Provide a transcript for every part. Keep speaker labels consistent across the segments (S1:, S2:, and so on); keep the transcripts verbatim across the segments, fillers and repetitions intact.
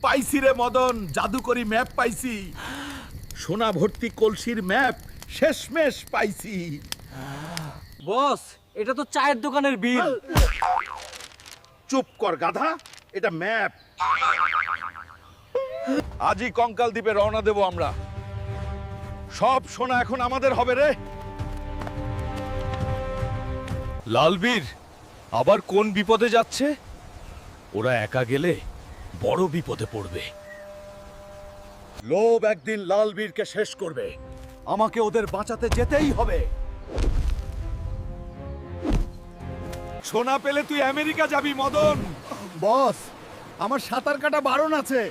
S1: পাইছি রে মদন, জাদুকরি ম্যাপ পাইছি। সোনা ভর্তি কলসির ম্যাপ শেষমেশ পাইছি।
S2: বস, এটা তো চায়ের দোকানের বিল।
S1: চুপ কর গাধা, এটা ম্যাপ। আজই কঙ্কাল দ্বীপে রওনা দেব আমরা। সব সোনা এখন আমাদের হবে রে। লালবীর আবার কোন বিপদে যাচ্ছে? ওরা একা গেলে বড় বিপদে পড়বে। লোভ একদিন লালবীরকে শেষ করবে। আমাকে ওদের বাঁচাতে যেতেই হবে। সোনা পেলে তুই আমেরিকা যাবি মদন।
S3: বস, আমার সাঁতার কাটা বারণ আছে।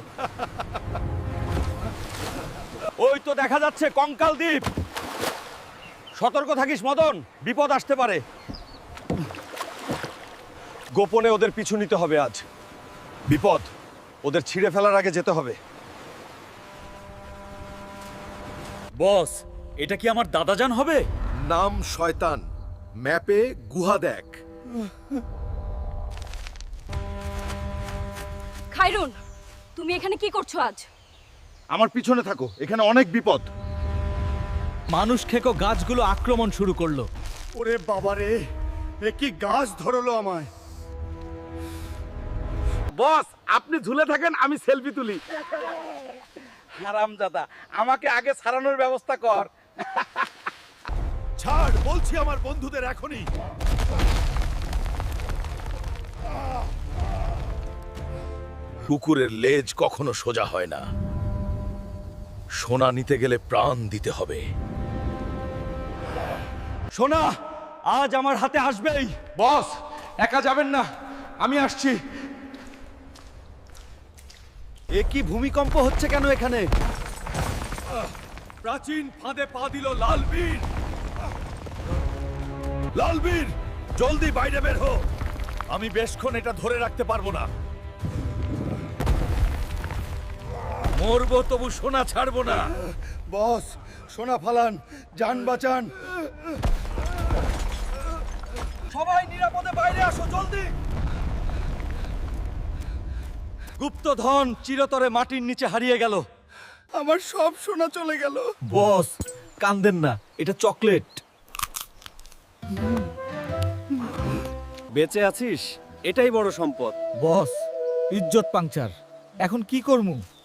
S1: ওই তো দেখা যাচ্ছে কঙ্কাল দ্বীপ। সতর্ক থাকিস মদন, বিপদ আসতে পারে। গোপনে ওদের পিছু নিতে হবে আজ। বিপদ ওদের ছিঁড়ে ফেলার আগে যেতে হবে।
S2: বস, এটা কি আমার দাদাজান হবে?
S1: নাম শয়তান, ম্যাপে গুহা দেখ।
S4: খায়রুন, তুমি এখানে কি করছো আজ?
S1: আমার পিছনে থাকো, এখানে অনেক বিপদ।
S2: মানুষ খেকো গাছগুলো আক্রমণ শুরু করলো।
S3: ওরে বাবা রে, এ কি গাছ ধরলো আমায়।
S1: বস, আপনি ঝুলে থাকেন, আমি সেলফি তুলি। হারামজাদা, আমাকে আগে ছাড়ানোর ব্যবস্থা কর। ছাড় বলছি আমার বন্ধুদের এখনই। কুকুরের লেজ কখনো সোজা হয় না। সোনা নিতে গেলে প্রাণ দিতে হবে।
S2: সোনা আজ আমার হাতে আসবেই।
S1: বস, একা যাবেন না, আমি আসছি।
S2: এ কি ভূমিকম্প হচ্ছে কেন এখানে?
S1: প্রাচীন ফাঁদে পা দিল লালবীর। লালবীর, জলদি বাইরে বের হো। আমি বেশক্ষণ এটা ধরে রাখতে পারবো না। মরবো তবু সোনা ছাড়বো না।
S3: বস, সোনা ফালান, যান বাঁচান।
S2: সবাই নিরাপদে বাইরে আসো, জলদি। গুপ্তধন চিরতরে মাটির নিচে হারিয়ে গেল।
S3: আমার সব সোনা চলে গেল।
S2: বস, কান্দেন না, এটা চকলেট। বেঁচে আছিস, এটাই বড় সম্পদ।
S5: বস, ইজ্জত পাংচার। এখন কি করমু?